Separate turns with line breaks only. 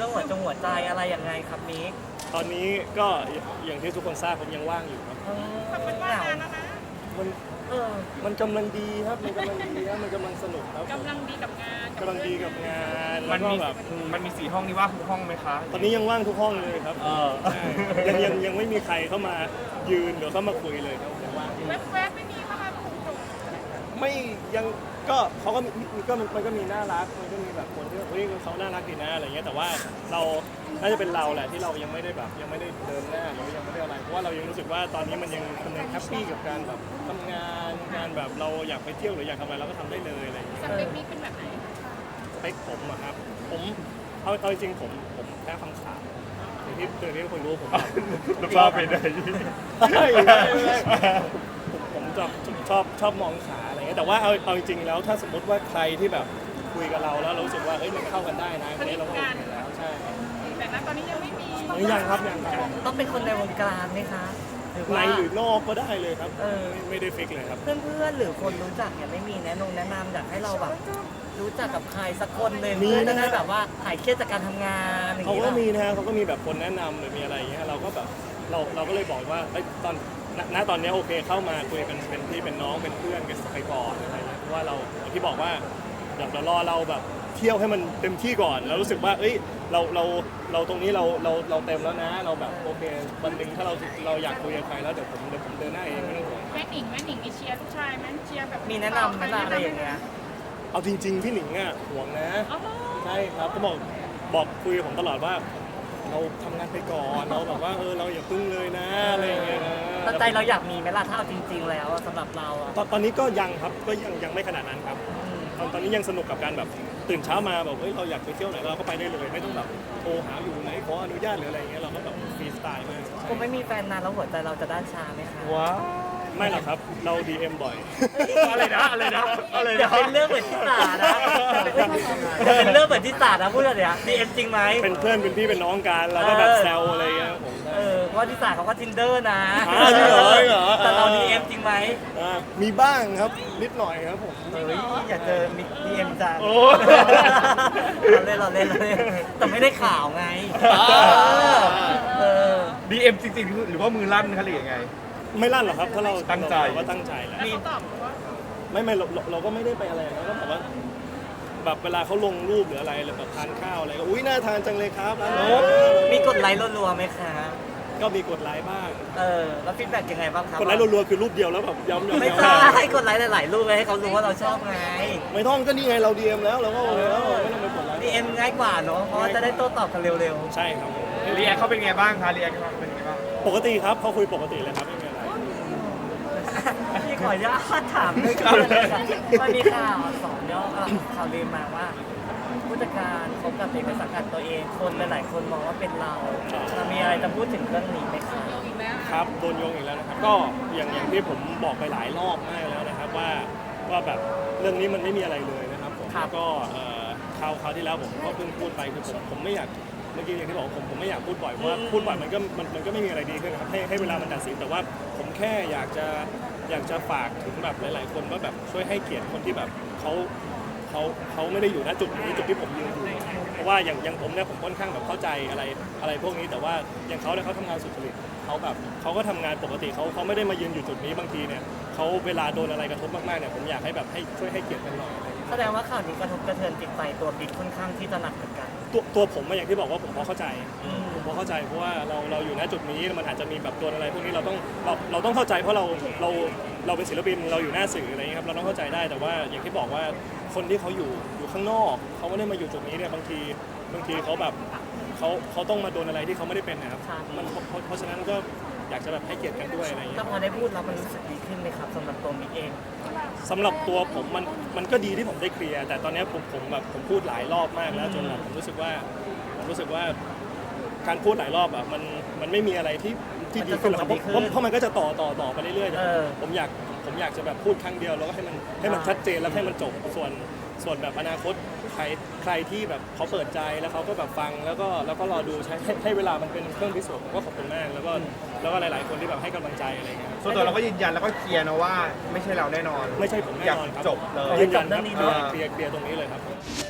รื่องหัวใจอะไรยังไงครับมิก
ตอนนี้ก็อย่างที่ทุกคนทราบผมยังว่างอยู่ครับ
มันว่างงานแล้วนะ
มันมันกำลังดีครับมันกำลังดีครับมันกำลังสนุกครับ
กำลังดีกับงาน
กำลังดีกับงาน
มันมีแบบมันมี4 ห้องนี่ว่างทุกห้องไหมคะ
ตอนนี้ยังว่างทุกห้องเลยครับยังไม่มีใครเข้ามายืนหรือเข้ามาคุยเลยครับยังว่าง
แวบไม่มีมา
ไม่ยังก็เขาก็มันก็มีน่ารักมันก็มีแบบคนที่เฮ้ยเขาน่ารักดีนะอะไรเงี้ยแต่ว่าเราน่าจะเป็นเราแหละที่เรายังไม่ได้แบบยังไม่ได้เดินหน้าหรือยังไม่ได้อะไรเพราะว่าเรายังรู้สึกว่าตอนนี้มันยังแฮปปี้กับการแบบทำงานการแบบเราอยากไปเที่ยวหรืออยากทำอะไรเราก็ทำได้เลยอะไรอย่างเงี้ย
สเปคนี้เป็นแบบไหน
สเปคผมอะครับผมเอาจริงผมแค่คำขาดอย่างที่คนรู้ผม
ลูกบ้าไปไหน
ผมชอบมองขาอะไรเงี้ยแต่ว่าเอาจริงแล้วถ้าสมมติว่าใครที่แบบคุยกับเราแล้วรู้สึกว่าเฮ้ยมันเข้ากันได้นะเราโอเคแล้วใช่
แต่ณตอนนี้ยังไม่มี
ยังครับ
ต้องเป็นคนในวงการไหมคะ
ในหรือนอกก็ได้เลยครับไม่ได้ฟิกเลยครับ
เพื่อนหรือคนรู้จักเนี่ยไม่มีแนะนำอยากให้เราแบบรู้จักกับใครสักคนเลยเพื่อจะได้แบบว่าหายเครียดจากการทำงาน
เขาก็มีนะเขาก็มีแบบคนแนะนำหรือมีอะไรอย่างเงี้ยเราก็แบบเราก็เลยบอกว่าตอนนี้โอเคเข้ามาคุยกันเป็นพี่เป็นน้องเป็นเพื่อนกันไปก่อนอะไรเงี้ยเพราะว่าเราที่บอกว่าเดี๋ยวรอเราแบบเที่ยวให้มันเต็มที่ก่อนแล้วรู้สึกว่าเอ้ยเราตรงนี้เราเต็มแล้วนะเราแบบโอเควันหนึ่งถ้าเราอยากคุยกับใครแล้วเดี๋ยวผมเดินหน้าเองไม่ต้องห่วง
แม่หนิงมีเชียร์ลูกชายไหมเชียร์แบบ
มีแนะนำไหมอะไรอย่างเงี้ย
เอาจริงๆพี่หนิงอ่ะห่วงนะใช่ครับก็บอกคุยกับผมตลอดว่าเราทำงานไปก่อนเราแบบว่าเราอย่าพึ่งเลยนะอะไรอย่างเงี้ย
ตั้งใจเราอยากมีไหมล่ะถ้าเอาจริงๆแล้วสำหรับเรา
ตอนนี้ก็ยังครับก็ยังไม่ขนาดนั้นครับตอนนี้ยังสนุกกับการแบบตื่นเช้ามาแบบเฮ้ยเราอยากไปเที่ยวไหนเราก็ไปได้เลยไม่ต้องแบบโทรหาอยู่ไหนขออนุญาตหรืออะไรอย่างเงี้ยเราก็แบบฟรีสไตล์มาก
ผมไม่มีแฟนนานแล้วหัวใจเราจะด้านชาไหมคะ
ว้า
ไม่หรอกครับเรา DM บ่อย
อะไรนะ
อย่าเป็นเรื่องเหมือนที่สานะอย่าเป็นเรื่องเหมือนที่สานะพูดเลยอะDM จริงไหม
เป็นเพื่อนเป็นพี่เป็นน้องกันเราก็แบบแซวอะไรเงี้ยผม
เพราะที่สาเขาก็ Tinder นะ
จริงเหรอ
แต่เรา DM จริงไหม
มีบ้างครับนิดหน่อยครับผม
อยากเจอDM จังเราเล่นแต่ไม่ได้ข่าวไง
DM จริงๆหรือว่ามือลั่นคะหรือยังไง
ไม่ลั่นหรอกครับถ้าเรา
ตั้งใจ
ว่าตั้งใจแล้ว
มีตอบว่า
ไม่เราก็ไม่ได้ไปอะไรนะก็แบบว่าแบบเวลาเขาลงรูปหรืออะไรหรือแบบทานข้าวอะไรก็อุ้ยน่าทานจังเลยครับ
มีกดไลค์รัวๆไหมครับ
ก็มีกดไลค์บ้าง
แล้วฟีดแบ็กยังไงบ้างครับ
กดไลค์รัวๆคือรูปเดียวแล้วแบบย้ำ
ไม่ใช่ให้กดไลค์หลายๆรูปให้เขารู้ว่าเราชอบไง
ไม่ต้องก็นี่ไงเรา DM แล้วเราก็แล้วไม่ต้องไปกดไลค์
DM ง่ายกว่าเนาะเพราะจะได้โต้ตอบกันเร็ว
ๆใช่ครับ
เรียกเขาเป็นไงบ้างคะเรียกเขาเป็นไงบ้าง
ปกติครับเขาคุยปกติเลยครับไม่มีอะไร
พี่ขออนุญาตถามด้วยกันมันมีข่าว2 ย่อข่าวลือมาว่าผู้จัดการคบกับเด็กในสังกัดตัวเองคนหลายๆคนมองว่าเป็นเรามีอะไรจะพูดถึงเรื่องนี้ไหมครับ
ครับโดนโยงอีกแล้วนะครับก็อย่างที่ผมบอกไปหลายรอบมากแล้วนะครับว่าแบบเรื่องนี้มันไม่มีอะไรเลยนะครับผมก็คราวที่แล้วผมก็เพิ่งพูดไปคือผมไม่อยากเมื่อกี้อย่างที่บอกผมไม่อยากพูดบ่อยเพราะว่าพูดบ่อยมันก็ไม่มีอะไรดีขึ้นนะครับให้เวลามันตัดสินแต่ว่าผมแค่อยากจะฝากถึงแบบหลายๆคนว่าแบบช่วยให้เกียรติคนที่แบบเขาไม่ได้อยู่ณจุดนี้จุดที่ผมยืนอยู่เพราะว่าอย่างผมเนี่ยผมค่อนข้างแบบเข้าใจอะไรพวกนี้แต่ว่าอย่างเขาเนี่ยเขาทำงานสุจริตเขาก็ทำงานปกติเขาไม่ได้มายืนอยู่จุดนี้บางทีเนี่ยเขาเวลาโดนอะไรกระทบมากๆเนี่ยผมอยากให้แบบให้ช่วยให้เกียรติกันหน่อย
แสดงว่าข่าวนี้กระทบกระเทือนจิตใจตัวบิ๊กค่อนข้างที่จะหนักเหมือนกัน
ตัวผมอย่างที่บอกว่าผมพอเข้าใจเพราะว่าเราอยู่ณจุดนี้มันอาจจะมีแบบโดนอะไรพวกนี้เราต้องเข้าใจเพราะเราเป็นศิลปินเราอยู่หน้าสื่ออะไรเงี้ยครับเราต้องเข้าใจได้แต่ว่าอย่างที่บอกว่าคนที่เขาอยู่ข้างนอกเขาไม่ได้มาอยู่จุดนี้เนี่ยบางทีเขาแบบเขาต้องมาโดนอะไรที่เขาไม่ได้เป็นนะครับมันเพราะฉะนั้นก็อยากจะแบบให้เกียรติกันด้วยอะไรอย่างเงี้ย
ก็พอได้พูดแล้วมันรู้สึกดีขึ้นไหมครับสำหรับตัวมิกเอง
สำหรับตัวผมมันก็ดีที่ผมได้เคลียร์แต่ตอนนี้ผมพูดหลายรอบมากแล้วจนแบบผมรู้สึกว่าการพูดหลายรอบอ่ะมันไม่มีอะไรที่ดีขึ้นหรอกครับเพราะมันก็จะต่อไปเรื่อยๆผมอยากจะแบบพูดครั้งเดียวแล้วก็ให้มันชัดเจนแล้วให้มันจบส่วนแบบอนาคตใครที่แบบเขาเปิดใจแล้วเขาก็แบบฟังแล้วก็รอดูให้เวลามันเป็นเครื่องพิสูจน์ผมก็ขอบคุณมากแล้วก็หลายๆคนที่แบบให้กำลังใจอะไรเงี้ย
ส่วนตัวเราก็ยืนยันแล้วก็เคลียร์นะว่าไม่ใช่เราแน่นอน
ไม่ใช่ผมแน่นอนครับ
จบเลย
ยืนยันครับเคลียร์ตรงนี้เลยครับ